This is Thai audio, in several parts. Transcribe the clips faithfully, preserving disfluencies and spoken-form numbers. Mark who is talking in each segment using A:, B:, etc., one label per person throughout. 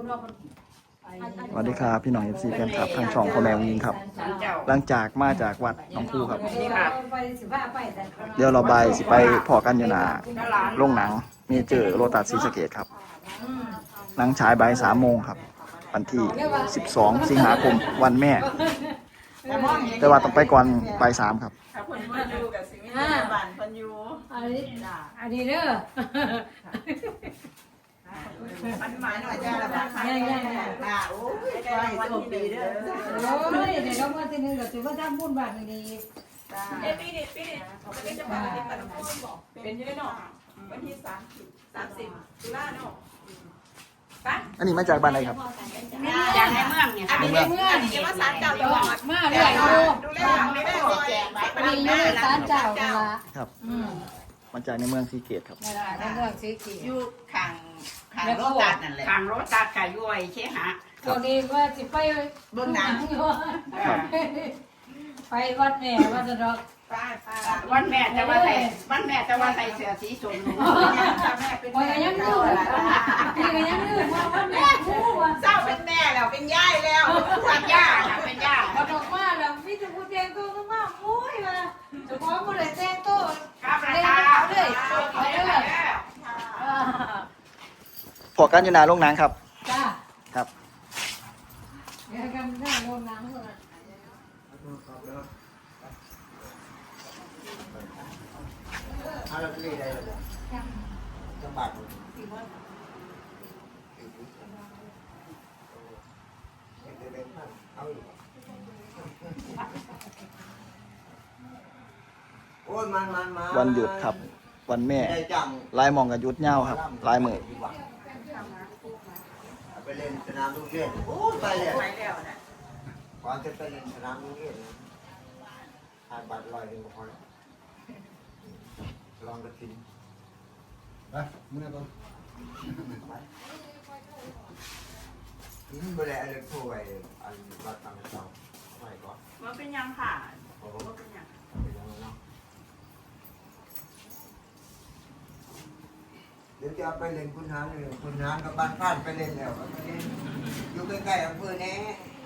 A: สวัสดีครับพี่น้องเอฟซีแฟนคลับทางช่องพ่อแม่วิงครับหลังจากมาจากวัดหนองคูครับเดี๋ยวเราไปสิไปพอกันอยู่นาโรงหนังเมเจอร์โรตัสศรีสะเกษครับหนังฉายบ่ายสามโมงครับวันที่สิบสองสิงหาคมวันแม่แต่ว่าต้องไปก่อนบ่ายสามครับ
B: คนมาอยู่กับสิมิตรบ้านคนอยู่
C: อันนี้อันนี้เด้อ
B: มันหมายหน่อยจ้าละบ้านใครอ่าโอ้ยก็ให้โชคดีเด้อ
C: โอ้ยเดี๋ยวเรามาทีนึงก็ถือว่าทำบุญบาทดี
B: เอ้ปีนี้ปีนี้วันนี้จะมาที่ตลาดพุ่งบอกเป็นยังไงเนาะวันที่สามสิบสามสิบตุลาเนาะ
A: อันนี้มาจากบ้านไหนครับ
B: จากในเมืองเนี่ยอันนี้ในเมืองนี่ว่าศาลเจ้าจังหวัด
C: มาเรื่อยดู
B: ดูแลไม่ได้แจกไว้
C: อันนี้อยู่ศาลเจ้าเวลา
A: ครับมาจากในเมืองศรีเกษครับ
C: ในเมืองศรีเกษ
B: อยู่ข้างข้างโรตัสนั่นแหละข้างโรตัสกับย้อยเชหะ
C: ตัวนี้ว่าสิไป
B: เบื้องหนัง
C: ไปวัดแม่วัดสะดอก
B: วันแม่จะว่าใส่วันแม่จะว่าใส่เสื้อสีชมพูแม่เป็น
C: แม่ยังดื้อพี่ก็ยังดื้อว่าวัดแม่คู่ว่า
B: เศร้าเป็นแม่แล้วเป็นย่ายแล้วเป็นย่าเป็นย่า
C: พอดอกมาแล้วพี่จะพูดแจ้งตัวก็มาโอ้ยมาจะพร้อมหมดเลยแจ้งตัว
B: ครับราคา
C: เลยเอาเลย
A: พอกันอยู่นาโรงหนังครับ
C: จ้า
A: ครับ
C: เดี๋ยวกันได้โรงหนังเลย
D: อะไรเป็นอะไรจังหวัดโอ้ยมันมันมา
A: วันหยุดครับวันแม่ลายมองกับยุดเงาครับลายมือ
D: ไปเล่นสนามลูกเล่นโอ้ยไปเลยไปแล้วนะก่อนจะไปเล่นสนามลูกเล่นทานบัตรลอยหนึ่งพอแล้วลองกระถิ่นไปมึงเนี่ยก่อนอืมไปเลยอะไรโทรไปอันบัตรต่างๆไปก่อน
B: มันเป็นยังค่ะโอ้เป็นยัง
D: เป็นยังเนาะเดี๋ยวจะไปเล่นคุณน้ำเลยคุณน้ำกับบ้านข้านไปเล่นแล้วอยู่ใกล้ๆอำเภอแน่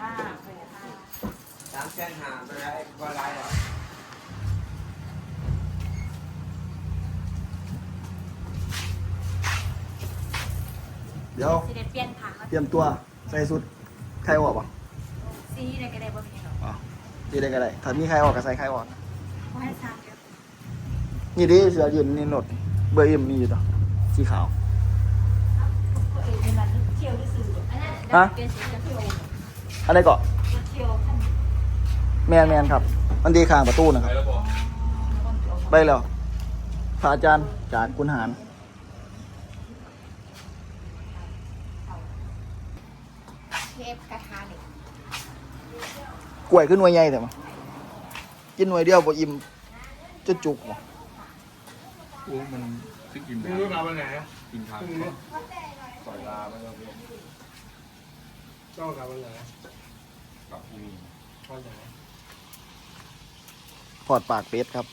D: สามแสนห้าไปได้ก็ได้หรอ
A: เดี๋ยว
E: สิเด็ดเปลี่ยนค่ะ
A: เตรียมตัวใส่สุดใครออกป่ะ
E: ซีได้ก็ได้บ่มีหรอก
A: อ๋อดีได้ก็ได้ถ้ามีใครออกก็ใส่ใครออก
E: บ่ให้ซ้ำเด้อ
A: นี่ดิเสือยืนนี่รถเบอร์เอ็มมีอยู่ต่อสีขาว
E: ตัวเองเป็นมันเที่ยวที่สื่ออันนั้นเปลี่ยนสีจะเที่ยว
A: อะไรเกาะ
E: เที่ยว
A: แมนแมนครับมันดีข้างประตูนะครับไปแล้วพระอาจารย์จากคุณหาร
E: เทปกระทะเหล็ก
A: กล้วยขึ้นหน่วยใหญ่แต่มากินหน่วยเดียวบ่อิ่มจะจุกบ่
F: โอ้มันซื้อกิน
D: มึงรู้มาวันไหน
F: กินทางสอยลาไม่ต้องเรียน
D: เจ้ากลับวันไหน
F: กลับที่นี่
D: วันไหน
A: ทอดปากเป็ดครับ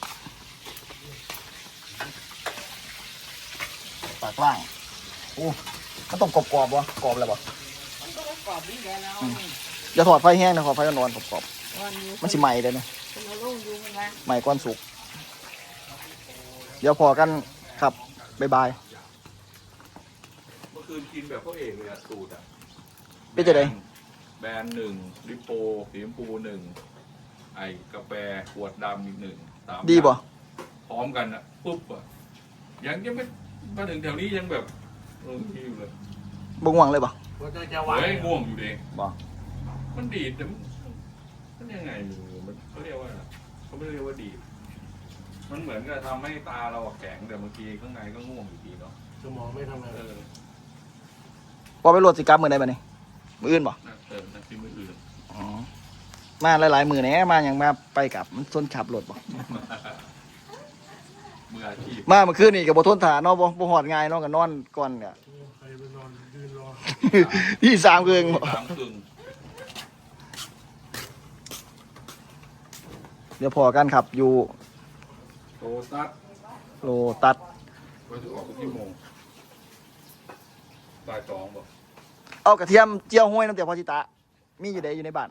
A: ปากล่างโอ้มันต้องกรอบกรอบวะกรอบอะไรวะ
B: มันก็กรอบนี่แหละเนาะ
A: อย่าถอดไฟแห้งนะถอดไฟนอนกรอบๆมันสิใหม่เลยนะใหม่ก้อนสุกเดี๋ยวพอกันครับบ๊ายบาย
F: เมื่อคืนกินแบบพ่อเอกเลยอะสูตรอะ
A: เป็นจะไง
F: แบรนด์หนึ่งลิปโปสีชมพูหนึ่งไอ้กาแฟขวดดำอีกหนึ่งสาม
A: ดีป่ะ
F: พร้อมกันอะปุ๊บอะยังยังไม่มาถึงแถวนี้ยังแบบเออที่อยู่เลย
A: บ่ง่วงเลยป่ะ
F: เฮ้ยง่วงอยู่เอง
A: บ่
F: มันดีดแต่มันยังไงมันเขาเรียกว่าเขาไม่เรียกว่าดีดมันเหมือนกับทำให้ตาเราแข็งแต่บางทีข้างในก็ง่วงอยู่ดีเนาะ
D: สมองไม่ทำงาน
F: เออ
A: พอไปโหลดสิกรรมมือไหนบ้านี่มืออื่นป่ะ
F: เออนักที่มืออื่น
A: อ๋อมาหลายๆมือแน่มาอย่างมาไปกับมันส้นขับรถป่ะ
F: มืออาชีพ
A: มาเมื่อคืนนี่กับบทนฐานเนาะบ่บ่หอดง่ายเนาะกับนอนก่อนเนี่ย
D: ใครไปนอนยืนรอ
A: ที่สามเกิง
F: สามเกิง
A: เดี๋ยวพอกันครับอยู่
F: โลตัส
A: โลตัส
F: ไปถึงออกทุกที่โมงบ่ายสองบ่
A: เอากระเทียมเจียวห้วยน้ำเตี๋ยวพอจิตะมีอยู่ใดอยู่ในบ้าน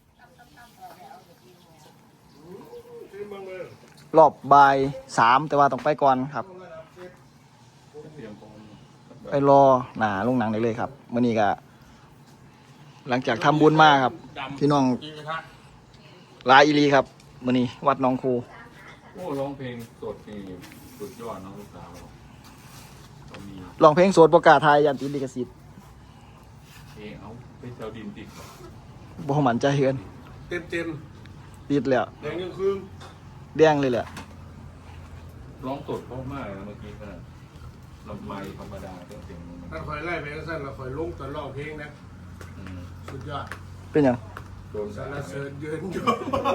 A: รอบบ่ายสามแต่ว่าต้องไปก่อนครับ
F: เตรียมพร้อม
A: ไปรอหนาลงหนังได้เลยครับมื่อนี้ก็หลังจากทำบุญมาครับพี่น้องหลายอีหลีครับมื่อนี้วัดหนองคู
F: โอ้ร้องเพลงสดนี่สุดยอดน้องลูกสาวเราเรามี
A: ร้องเพลงโสดประกาศไทยยันติดลิขสิทธิ์
F: เพลงเอาไปเจ้าดินติดก่อน
A: บ่มันใจเฮือน
G: เต็มเต็ม
A: ติดแล้ว
G: แดงยังคืน
A: แดงเลยแหละ
F: ร้องสดเพราะมากนะเมื่อกี้ขนาดลำไมธรรมดาเครื่องเสียงมัน
G: ถ้าคอยไล่ไปก็สั้นเราคอยลงตอนร้องเพลงนะ
F: อืม
G: สุดยอด
A: เป็นหยัง
F: โดน
G: สา
F: สาร ร
G: เสริญยืนอยู่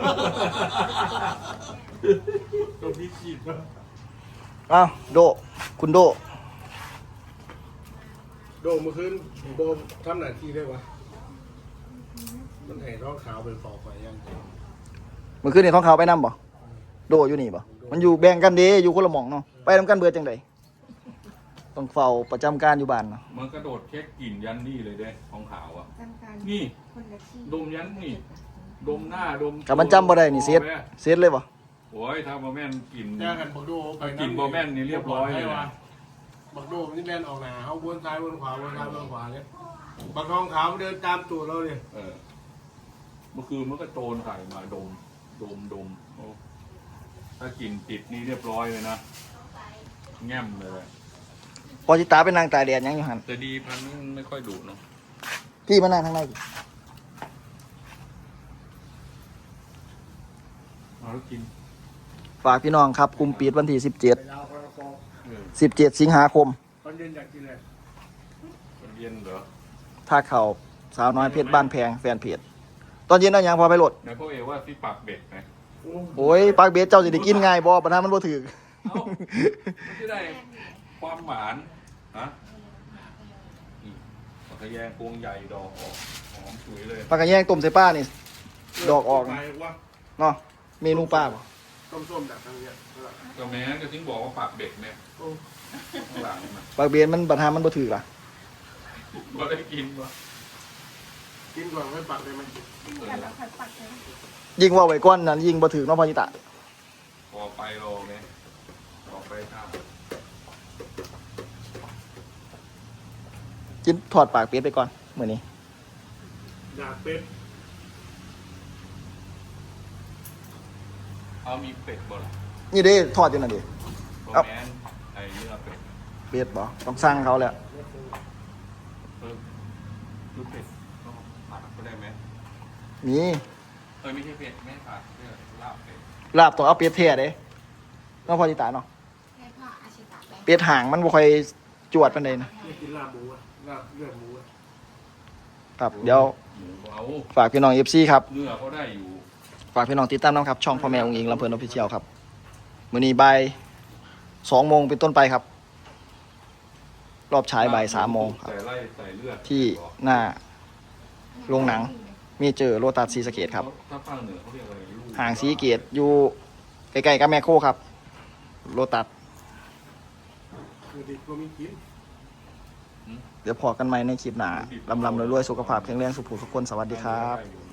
G: ตัวพี่ขีดนะ
A: อ้าวโดคุณโด
G: โดมเมื่อคืนโดมทำหน้าที่ได้วะมันให้ท้องขาวเป็นฟอกไปยัง
A: เมื่อคืนนี่ท้องขาวไปนํบ่โดอยู่นี่บ่มันอยู่แบ่งกันเด้อยู่คนละหม่องเนาะไปนํกันเบิดจังไดต้องเฝ้าประจำการอยู่บ้านเนาะ
F: มันกระโดดเช็คกลิ่นยันนี่เลยเด้ของขาวอ่ะ
C: จำการ
F: นี่
C: คนละที่
F: ดมยันนี่ ดมหน้าดม
A: ก็มันจำบ่ได้นี่เซตเซตเลยบ่
F: โอ้ยถ้าบอแม่นกลิ่น
G: แย่กันบักโดไป
F: กลิ่นบอแม่นนี่เรียบร้อยเลยนะ
G: บักโดมันนี่แล่นออกหนาเขาวนซ้ายวนขวาวนซ้ายวนขวาเนี่ยบักทองขาวมันเดินตามตัวเราเลย
F: เออเมื่อคืนมันก็โจรใส่มาดม ดมดมโอ้ถ้ากลิ่นติดนี่เรียบร้อยเลยนะแง่มเลย
A: พอจิตาไปนั่งตากแดดหยังอยู่หั่น
F: แต่ดีพันธุ์มันไม่ค่อยดุเนาะ
A: พี่มานั่งทางในดิ
F: เอาแล้วกิน
A: ฝากพี่น้องครับกลุ่มปิดวันที่สิบเจ็ด
G: ไปยาวคนละฟอง
F: เออ
A: สิบเจ็ดสิงหาคม
G: ตอนเย็นอยากกินอะไร
F: มันเย็นเหรอ
A: ถ้าเข้าสาวน้อยเพชรบ้านแพงแฟนเพจตอนเย็นเอาหยังพอไปโหลด
F: ไหนพ่อเอว่าที่ปากเบ็ดไง
A: โอ้ยปากเบสเจ้าสิได้กินง่ายบ่ปัญหามันบ่ถึก
F: เอ้ามันจะได้ความหวานฮะนี่ปลากระแยงพวงใหญ่ดอกออกหอมสวยเลย
A: ปลากระแยงต้มใส่ป้านี่ ดอกออก
G: ไปว่า
A: เนาะเมนูป้าบ่
G: ต้มๆแบบทางเนี้ย
F: ก็แม้นก็ถึงบอกว่าปากเบ็ดเนี่ยข้างหลังมัน
A: ปากเบสมันปัญหามันบ่ถึกล่ะ
F: ก็ได้กินวะ
G: กินก่อนไม่ปักเลยมัน
F: เออ
C: แล้วค่อยปักเลย
A: ยิ่งว่าไว้ก่อนนั้นยิ่งบ่ถึกเนาะพ่อจิตะ
F: พอไปรอไงพอไปข้าว
A: กินถอดปากเป็ดไปก่อนมื้อนี้
G: อยากเป็ด
F: เอามีเป็ดบ่ล่ะ
A: นี่เด้ทอดอยู่นั่นดิ
F: ก็แม้นไอ้เนื้อเป็ด
A: เป็ดบ่ต้องสั่งเขาแล้ว
F: เออดูเป็ดก็ผัดก็ได้ไหม
A: มี
F: เออไม่ใช่เป็ดไม่ผัดเพื่อลาบเป็ด
A: ลาบต้องเอาเป็ดแท้เด้เนาะพ่อจิตะเนาะ
C: ให้พ่ออาชิตะไป
A: เป็ดหางมันบ่ค่อยจวดปานใดนะ
G: ไม่กินลาบหมูอะลาบเลือดหมูอะ
A: ครับเดี๋ยว
F: หมูเอา
A: ฝากพี่น้อง เอฟ ซี ครับ
F: เนื้อเขาได้อยู่
A: ฝากพี่น้องติดตามน้องครับ ช่องพ่อแม่องค์อิงลำเพลินออฟฟิเชียลครับมื้อนี้บ่ายสองโมงเป็นต้นไปครับ รอบฉายบ่ายสามโมงครับ
F: ใส่ไล่ใส่เลือด
A: ที่หน้าโรงหนัง มีเจอโรตัสซีสะเกตครับ
F: ถ้าภาคเหนือเขาเรียกอะไรลูก
A: ห่างซีเกตอยู่ใกล้ๆกับแมคโครครับโรตัส
G: คือดิบก็มีกิน
A: เดี๋ยวพอกันใหม่ในคลิปหน้าลำลำรวยๆสุขภาพแข็งแรงสุขภาพทุกคนสวัสดีครับ
F: ได้อยู่